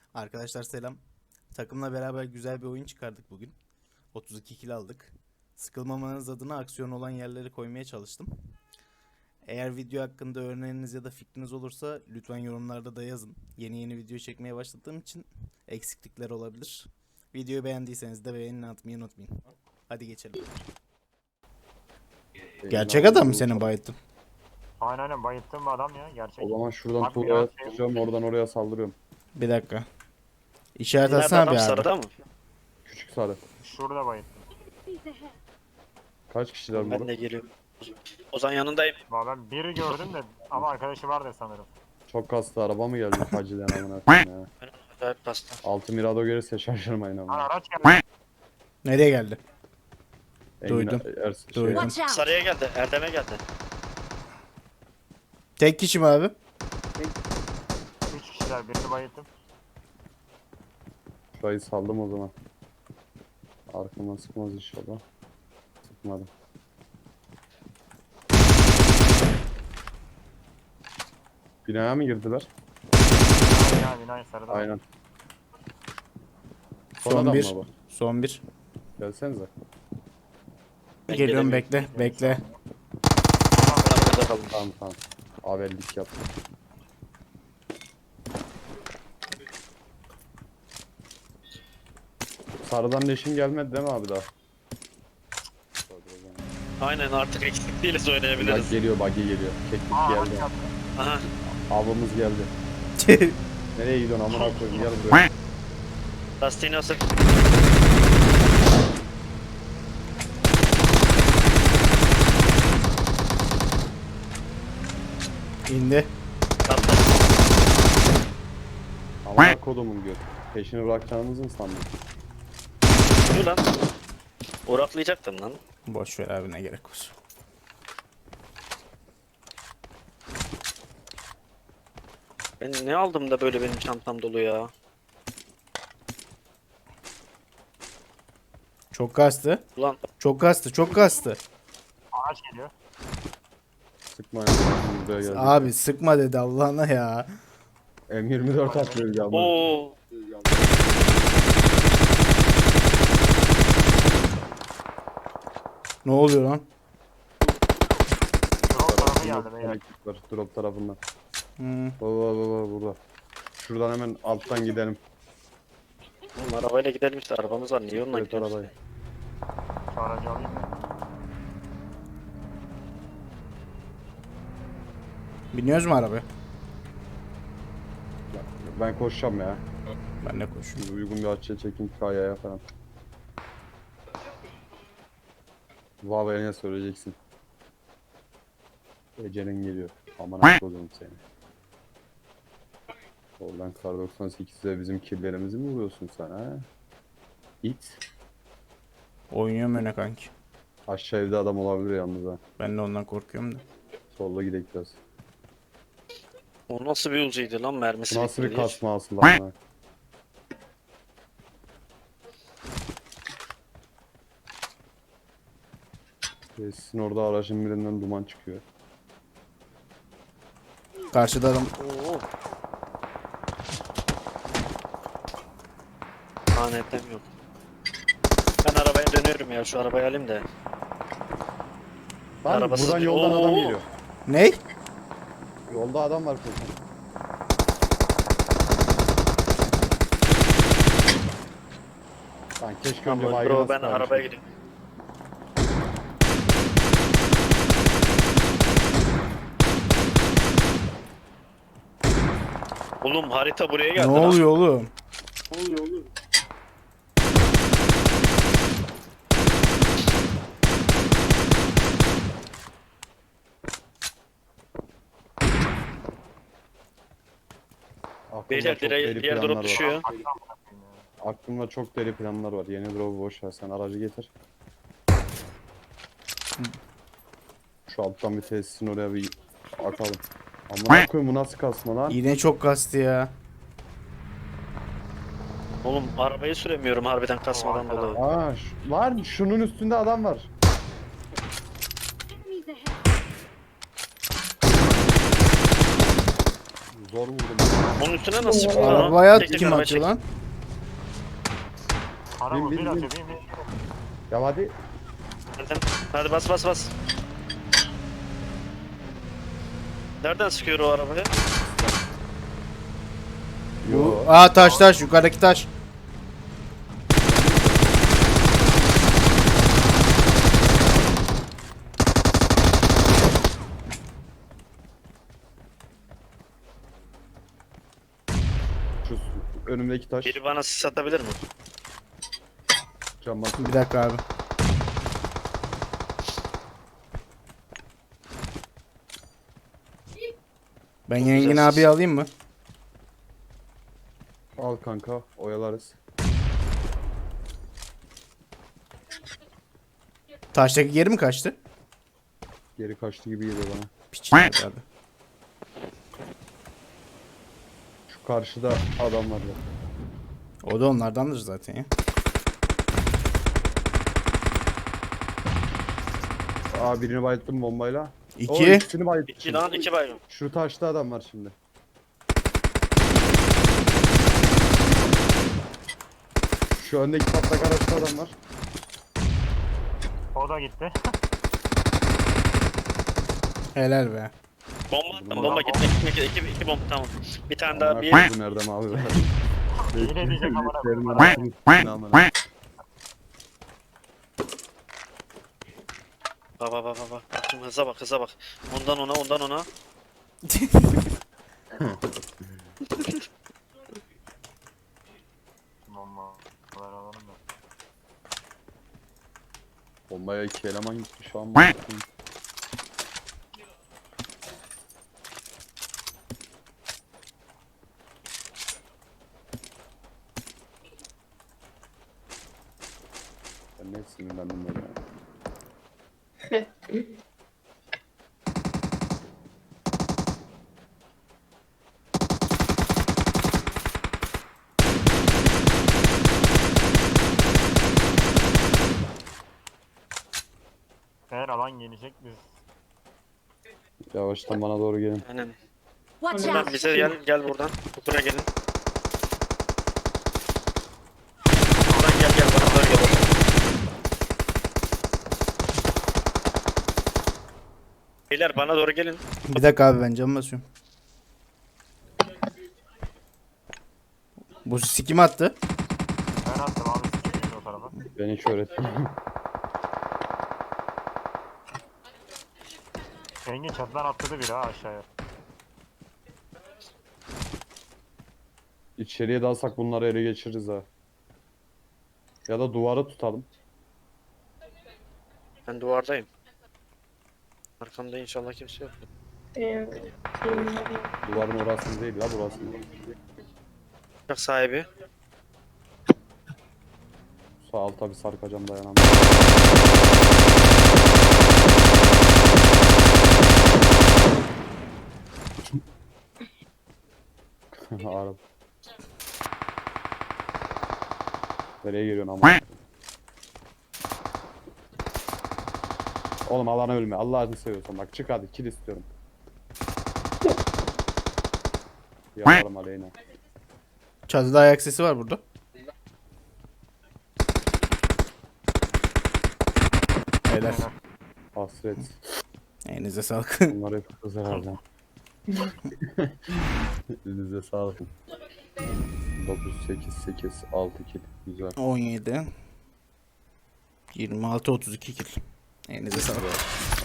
Arkadaşlar selam. Takımla beraber güzel bir oyun çıkardık bugün. 32 kill aldık. Sıkılmamanız adına aksiyon olan yerleri koymaya çalıştım. Eğer video hakkında öneriniz ya da fikriniz olursa lütfen yorumlarda da yazın. Yeni video çekmeye başladığım için eksiklikler olabilir. Videoyu beğendiyseniz de beğeni atmayı unutmayın. Hadi geçelim. Gerçek adam mı senin bayıttın? Aynen bayılttığım bir adam ya gerçek. O zaman şuradan Bak, tuğlaya biraz- tutacağım, oradan oraya saldırıyorum. Bir dakika. İşaret Nerede atsana adam, bir abi. sarıda mı? Küçük sarı. Şurada bayılttım. Kaç kişiler Ben burada? de geliyorum. Ozan yanındayım. Valla ben biri gördüm de ama arkadaşı vardı sanırım. Çok kastı araba mı geldi Hacı'den amına koyayım ya. Ben acayip pasta. Altı Mirado gelirse şaşırmayın Lan ama. araç geldi. Nereye geldi? Engin Duydum. Duydum. Watch out! Sarıya geldi, Erdem'e geldi. Tek kişi mi abi? 3 kişiler birini bayılttım. Şurayı saldım o zaman. Arkama sıkmaz inşallah. Sıkmadım. Binaya mı girdiler? Ya binayı sarıda. Aynen. Son Son adam bir. mı bu? Son bir. Gelsenize. Ben Geliyorum, gelemiyorum. bekle. Ben arabada kaldım. Tamam. Avellik yaptım. Sarıdan leşin gelmedi değil mi abi daha? Aynen, artık eksik değiliz, Bak oynayabiliriz. geliyor, buggy geliyor. Keklik Aa araç geldi. geldi. Aha, Avımız geldi. Nereye gidiyorsun amına koyayım, gel buraya. lastiğini asık. İndi. Kaldı. Amına kodumun göt. Peşini bırakacağınızı mı sandın? Dur lan. Uğraklayacaktım lan. Boş ver abi, ne gerek var. Ben ne aldım da böyle benim çantam dolu ya. Çok kastı. Ulan Çok kastı. Araç geliyor. Sıkma ya. Buraya geldik. Abi sıkma dedi Allah'ına ya. M24 atıyor ya. ooo. Ne oluyor lan? Drop tarafı geldi beyler. Ekip var drop tarafından. Hmm. Baba burada. Şuradan hemen alttan gidelim. Oğlum arabayla gidelim işte, arabamız var, niye onunla Evet gidiyoruz? arabayı. Şu aracı alayım da. Biniyoruz mu arabaya? Ben koşacağım ya. Ben de koşuyorum. Şimdi uygun bir açıya çekin kayaya falan. Bu havaya ne söyleyeceksin? Ece'nin geliyor. Aman akıllım seni. Oradan kar 98'de bizim killerimizi mi vuruyorsun sen ha? İt. Oynuyorum öne kanki. Aşağı evde adam olabilir yalnız ha. Ben de ondan korkuyorum da. Solda gidelim biraz. O nasıl bir uzaydı lan, mermisi Bu nasıl bir bitmedi hiç. kasma asıl lan? Sizin orada aracın birinden duman çıkıyor. Karşıda adam. Oo. Lanetten yok. Ben arabaya dönüyorum ya, şu arabayı alayım da. Lan Arabası- buradan yoldan adam Oo. geliyor. Ney? Yolda adam var koşan. Lan keşke önce Tamam baygına bro, ben sıkarmışım. arabaya gidiyorum. Oğlum harita buraya Ne geldi lan. oluyor oğlum? Aklımda Beyler çok deli diğer planlar drop var. düşüyor. Aklımda çok deli planlar var. Yeni drop'u boş ver, sen aracı getir. Şu alttan bir tesisin oraya bir akalım. Amına koyayım, bu nasıl kasma lan? Yine çok kastı ya. Oğlum arabayı süremiyorum harbiden kasmadan O dolayı. Aa, lan şunun üstünde adam var. Enemies ahead! Zor vurdum. Onun üstüne nasıl çıktı lan o? Arabaya Tek tek kim arabaya atıyor çek. lan? Para Bin, bu bin, bir bin. atıyor bin bin. Ya hadi. Hadi bas bas bas. Nereden sıkıyor o arabaya? Yo. Aa taş yukarıdaki taş. Şu önümdeki taş. Biri bana sis atabilir mi? Cam bas. Bir dakika abi. Ben Yengin abi alayım mı? Al kanka. Oyalarız. Taştaki geri mi kaçtı? Geri kaçtı gibi geliyor bana. Piç nerede abi. Şu karşıda adam var ya. O da onlardandır zaten ya. Aa birini bayılttım bombayla. O İki. ikisini bayılttım. 2 lan 2 baygın. Şu taşta adam var şimdi. Şu öndeki patlak araçta adam var. O da gitti. Helal be. Bomba attım bomba gitme gitme 2 bomba tamam. Bir tane daha Amına bir koydum Erdem abi. Yine diyecek amına Beklerim koyayım. anasını s**eyim amına. bak bak bak bak. Baktım hıza bak hıza bak. Ondan ona ondan ona. Bomba. Ver alalım da. Bombaya iki eleman gitti şu an. Ben ne sinirlendim böyle ya. Eğer alan gelecek biz. Yavaştan bana doğru gelin. Aynen. Watch Buradan out! bize gel buradan. Buraya gelin. Buradan gel bana doğru gel. Beyler bana doğru gelin. Bir dakika abi ben cam basıyorum. Bu sikim attı. Ben attım abi sikeyim o tarafa. Ben hiç öğrettim. Engin çatıdan atladı biri ha aşağıya. İçeriye dalsak bunları ele geçiririz ha. Ya da duvarı tutalım. Ben duvardayım. Arkamda inşallah kimse yok. Duvarın orası değil la burası. Uçak sahibi. Sağ alta bir sarkacağım dayanamam. Arap. Nereye geliyorsun ama? Oğlum alana ölme. Allah'ını seviyorsan bak çık hadi kill istiyorum. Yaparım Aleyna. Çatıda ayak sesi var burada. Helal. Hasret. Elinize sağlık. Bunlar hep kız herhalde. Elinize sağlık. 9, 8, 8, 6 kill. Güzel. 17. 26 32 kill. Elinize sağlık.